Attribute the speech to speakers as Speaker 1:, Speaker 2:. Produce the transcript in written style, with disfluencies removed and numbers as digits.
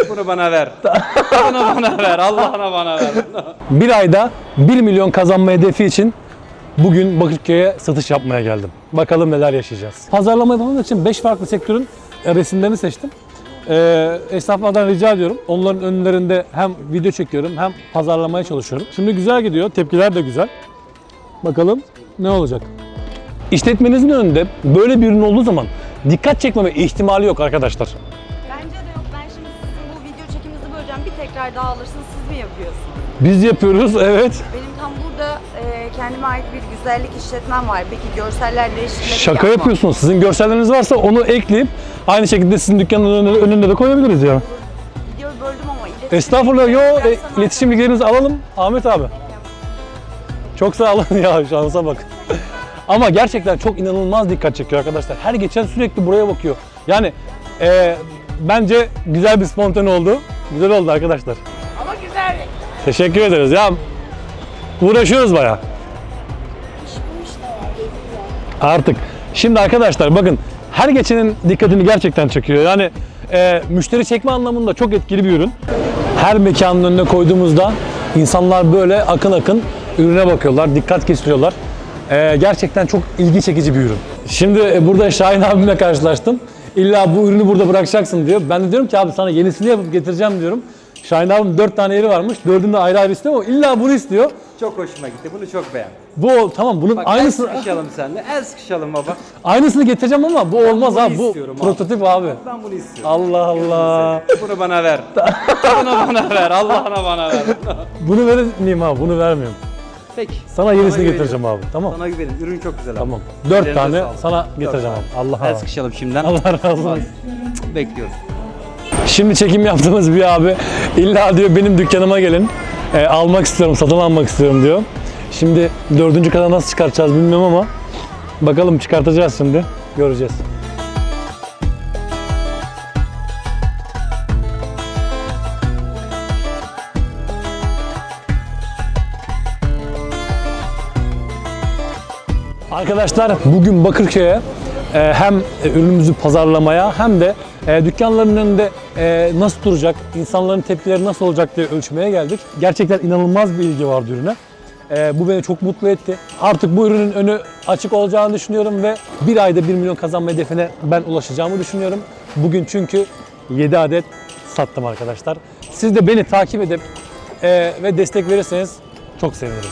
Speaker 1: Bunu bana ver. Bunu bana ver. Allah'ına bana ver.
Speaker 2: Bir ayda 1 milyon kazanma hedefi için bugün Bakırköy'e satış yapmaya geldim. Bakalım neler yaşayacağız. Pazarlama yapmam için 5 farklı sektörün resimlerini seçtim. Esnaflardan rica ediyorum. Onların önlerinde hem video çekiyorum hem pazarlamaya çalışıyorum. Şimdi güzel gidiyor. Tepkiler de güzel. Bakalım ne olacak? İşletmenizin önünde böyle bir ürün olduğu zaman dikkat çekmeme ihtimali yok arkadaşlar.
Speaker 3: Bence de yok. Ben şimdi sizin bu video çekiminizi böleceğim. Bir tekrar daha alırsınız. Siz mi yapıyorsunuz?
Speaker 2: Biz yapıyoruz, evet.
Speaker 3: Benim tam burada kendime ait bir güzellik işletmem var. Peki görseller değiştirmeyi
Speaker 2: Şaka yapıyorsunuz. Sizin görselleriniz varsa onu ekleyip aynı şekilde sizin dükkanın önünde de koyabiliriz ya.
Speaker 3: Videoyu böldüm ama iletişim.
Speaker 2: Estağfurullah. İletişim bilgilerinizi alalım Ahmet abi. Çok sağ olun ya, şansa bak. Ama gerçekten çok inanılmaz dikkat çekiyor arkadaşlar. Her geçen sürekli buraya bakıyor. Yani bence güzel bir spontane oldu. Güzel oldu arkadaşlar.
Speaker 3: Ama güzel.
Speaker 2: Teşekkür ederiz ya. Uğraşıyoruz bayağı. Artık. Şimdi arkadaşlar bakın, her geçenin dikkatini gerçekten çekiyor. Yani müşteri çekme anlamında çok etkili bir ürün. Her mekanın önüne koyduğumuzda insanlar böyle akın akın ürüne bakıyorlar, dikkat kesiyorlar. Gerçekten çok ilgi çekici bir ürün. Şimdi burada Şahin abimle karşılaştım. İlla bu ürünü burada bırakacaksın diyor. Ben de diyorum ki abi sana yenisini yapıp getireceğim diyorum. Şahin abim 4 tane yeri varmış. 4'ünü de ayrı ayrı istiyor ama illa bunu istiyor.
Speaker 1: Çok hoşuma gitti. Bunu çok beğendim.
Speaker 2: Bu tamam, bunun
Speaker 1: Bak
Speaker 2: aynısını
Speaker 1: el sıkışalım seninle. El sıkışalım baba.
Speaker 2: aynısını getireceğim ama bu olmaz
Speaker 1: bunu
Speaker 2: abi. Bu
Speaker 1: istiyorum abi.
Speaker 2: prototip abi.
Speaker 1: Ben bunu istiyorum.
Speaker 2: Allah Allah.
Speaker 1: Bunu bana ver. Bunu bana ver. Allah'ına bana ver.
Speaker 2: Bunu vermeyeyim abi. Bunu vermiyorum.
Speaker 1: Peki.
Speaker 2: Sana yenisini
Speaker 1: güveniyorum.
Speaker 2: getireceğim abi. Tamam.
Speaker 1: Sana güvenin. Ürün çok güzel abi.
Speaker 2: Tamam. 4
Speaker 1: Ellerinize
Speaker 2: tane
Speaker 1: sağlık.
Speaker 2: sana getireceğim abi. Allah
Speaker 1: El
Speaker 2: Allah.
Speaker 1: sıkışalım şimdiden.
Speaker 2: Allah razı olsun.
Speaker 1: Bekliyoruz.
Speaker 2: Şimdi çekim yaptığımız bir abi illa diyor benim dükkanıma gelin. Almak istiyorum, satın almak istiyorum diyor. Şimdi 4. kata nasıl çıkartacağız bilmiyorum ama bakalım, çıkartacağız şimdi. Göreceğiz. Arkadaşlar bugün Bakırköy'e hem ürünümüzü pazarlamaya hem de dükkanların önünde nasıl duracak, insanların tepkileri nasıl olacak diye ölçmeye geldik. Gerçekten inanılmaz bir ilgi vardı ürüne. Bu beni çok mutlu etti. Artık bu ürünün önü açık olacağını düşünüyorum ve bir ayda 1 milyon kazanma hedefine ben ulaşacağımı düşünüyorum. Bugün çünkü 7 adet sattım arkadaşlar. Siz de beni takip edip ve destek verirseniz çok sevinirim.